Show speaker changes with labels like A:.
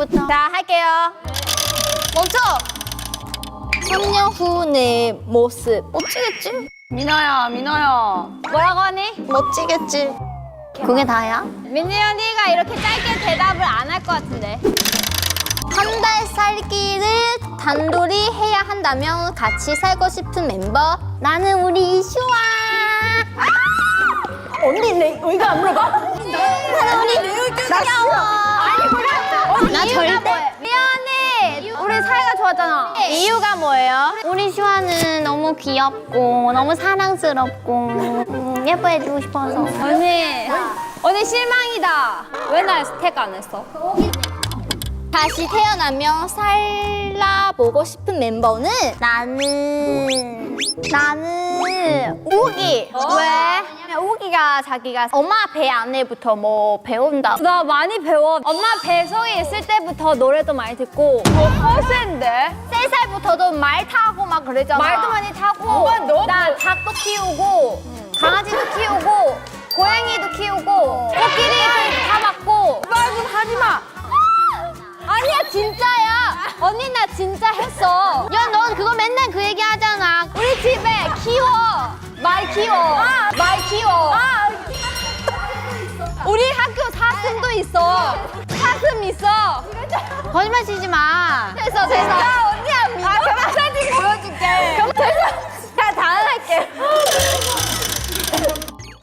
A: 언니부터.
B: 자, 할게요.
A: 멈춰! 3년 후 내 모습. 멋지겠지?
B: 민호야, 민호야. 뭐라고 하니?
A: 멋지겠지? 그게 다야?
B: 민지 언니가 이렇게 짧게 대답을 안 할 것 같은데.
A: 한 달 살기를 단둘이 해야 한다면 같이 살고 싶은 멤버? 나는 우리 이슈아.
B: 언니 내 의견 안 물어봐?
A: 나는 우리 귀여워.
B: 아니, 몰랐어.
A: 나 절대.
B: 미연 언니, 우리 사이가 좋았잖아. 이유가 뭐예요?
A: 우리 슈아는 너무 귀엽고 너무 사랑스럽고 예뻐해주고 싶어서.
B: 언니 실망이다. 왜 날 스택 안 했어?
A: 다시 태어나면 살라보고 싶은 멤버는 나는 우기.
B: 왜?
A: 우기가 자기가 엄마 배 안에부터 뭐 배운다.
B: 나 많이 배워. 엄마 뱃속에 있을 때부터 노래도 많이 듣고. 너 허세인데?
A: 3살부터도 말 타고 막 그러잖아.
B: 말도 많이 타고.
A: 엄마, 너도.
B: 나 닭도 키우고, 강아지도 키우고, 고양이도 키우고, 코끼리도 다 맞고. 말 좀 하지 마. 아니야, 진짜야. 언니 나 진짜 했어.
A: 야, 넌 그거 맨날 그 얘기 하잖아.
B: 우리 집에 키워. 말 키워. 말 키워. 우리 학교 사슴도 있어. 사슴 있어.
A: 거짓말 치지 마.
B: 됐어. 언니야 믿어. 그럼 사진 보여줄게. 그럼 됐어. 다 할게.